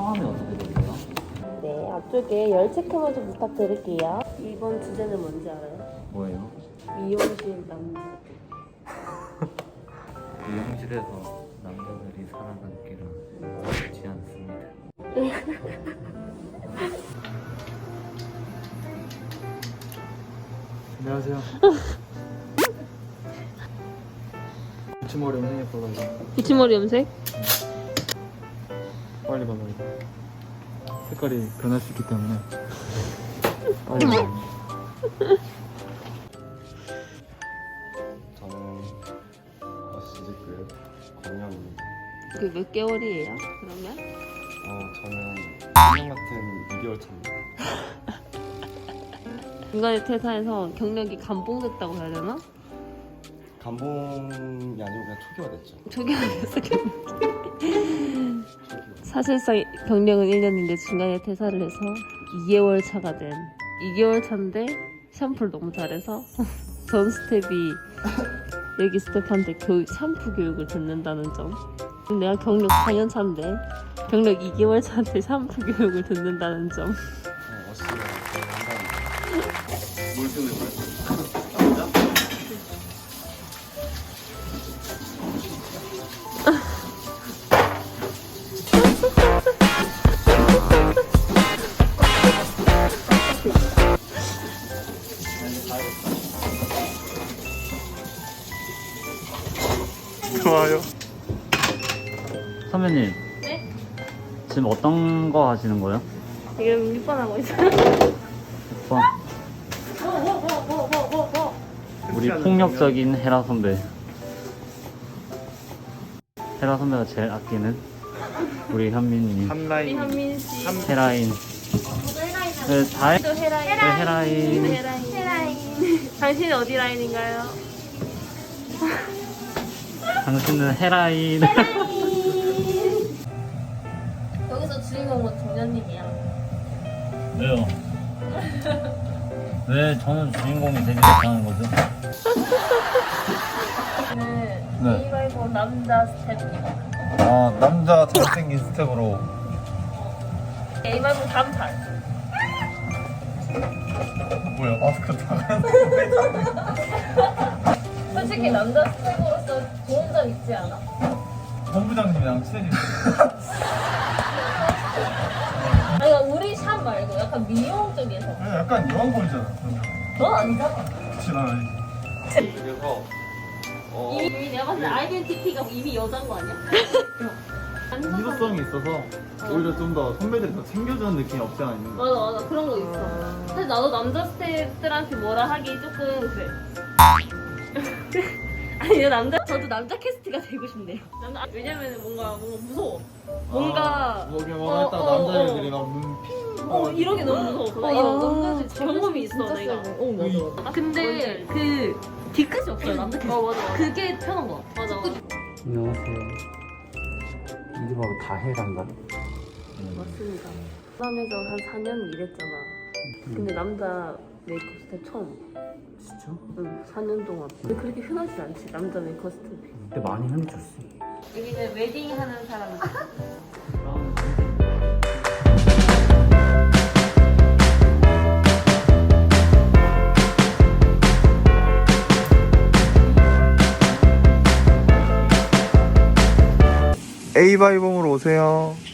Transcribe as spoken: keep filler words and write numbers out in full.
성함이 어떻게 되세요? 네, 앞쪽에 열 체크 먼저 부탁드릴게요. 이번 주제는 뭔지 알아요? 뭐예요? 미용실 남자. 미용실에서 남자들이 살아남기는 쉽지 않습니다. 안녕하세요. 붙임머리 염색했어가지고 붙임머리 염색? 빨리 발라야 돼. 색깔이 변할 수 있기 때문에 빨리 발라야 돼. 저는 어시즈급 권영입니다. 그 몇 개월이에요? 그러면? 어, 저는 일 년 같은 이 개월 차입니다. 중간에 퇴사해서 경력이 감봉됐다고 해야 되나? 감봉이 아니고 그냥 초기화됐죠. 저기 아니었어. 초기화. 사실상 경력은 일 년인데 중간에 퇴사를 해서 이 개월 차가 된 이 개월 차인데 샴푸를 너무 잘해서 전 스텝이 여기 스텝한테 교육, 샴푸 교육을 듣는다는 점. 내가 경력 사 년 차인데 경력 이 개월 차한테 샴푸 교육을 듣는다는 점. 어, 어시즈가 거의 한다는 뭘 쓰는 거야? 좋아요. 선배님. 네? 지금 어떤 거 하시는 거예요? 지금 육 번 하고 있어요. 육 번. 우리 폭력적인 헤라 선배. 헤라 선배가 제일 아끼는 우리 현민님. 우리 한라인 현민 씨. 헤라인. 네, 다 해. 또 헤라인. 네, 헤라인. 헤라인. 헤라인. 당신은 어디 라인인가요? 당신은 헤라인. 여기서 주인공은 동현님이야. 왜요? 왜 저는 주인공이 되지 못하는 거죠? 네. 네. 이발고 남자 스텝. 아 남자 잘생긴 스텝으로 이발고 담살. 뭐야 마스크 다 솔직히 남자 스텝으로서 좋은 점 있지 않아? 본부장님이랑 친해지고 아니 그러니까 우리 샵 말고 약간 미용 쪽에서. 약간 여왕벌이잖아. 넌 아니잖아. 그치 난 아니지. 그래서 어, 이미 내가 봤을 때 아이덴티티가 이미 여자인 거 아니야? 민소성이 있어서 오히려 좀 더 선배들이 더 챙겨주는 느낌이 없지 않아 있는 거. 맞아 맞아 그런 거 있어. 사실 나도 남자 스태프들한테 뭐라 하기 조금 그래. 아니 이거 남자 저도 남자 캐스트가 되고 싶네요. 남자 왜냐면 뭔가 뭔가 무서워. 뭔가 뭐 그냥 어, 뭐 했다가 어, 남자애들이 어. 막 눈 핑. 어 이런 게 너무 무서워. 나 이런 남자들 경험이 있어 내가. 어 맞아. 아, 근데 그 뒤끝이 없어요 남자 캐스트. 어 맞아 맞아. 그게 편한 거. 맞아 맞아. 안녕하세요. 이게 바로 다해란가? 맞습니다. 부산에서 한 사 년 일했잖아. 근데 남자 메이크업 스텝 처음. 진짜? 응, 사 년 동안. 근데 그렇게 흔하지 않지, 남자 메이크업 스텝이. 근데 많이 흔들었어. 여기는 웨딩 하는 사람들. A바이봄으로 오세요.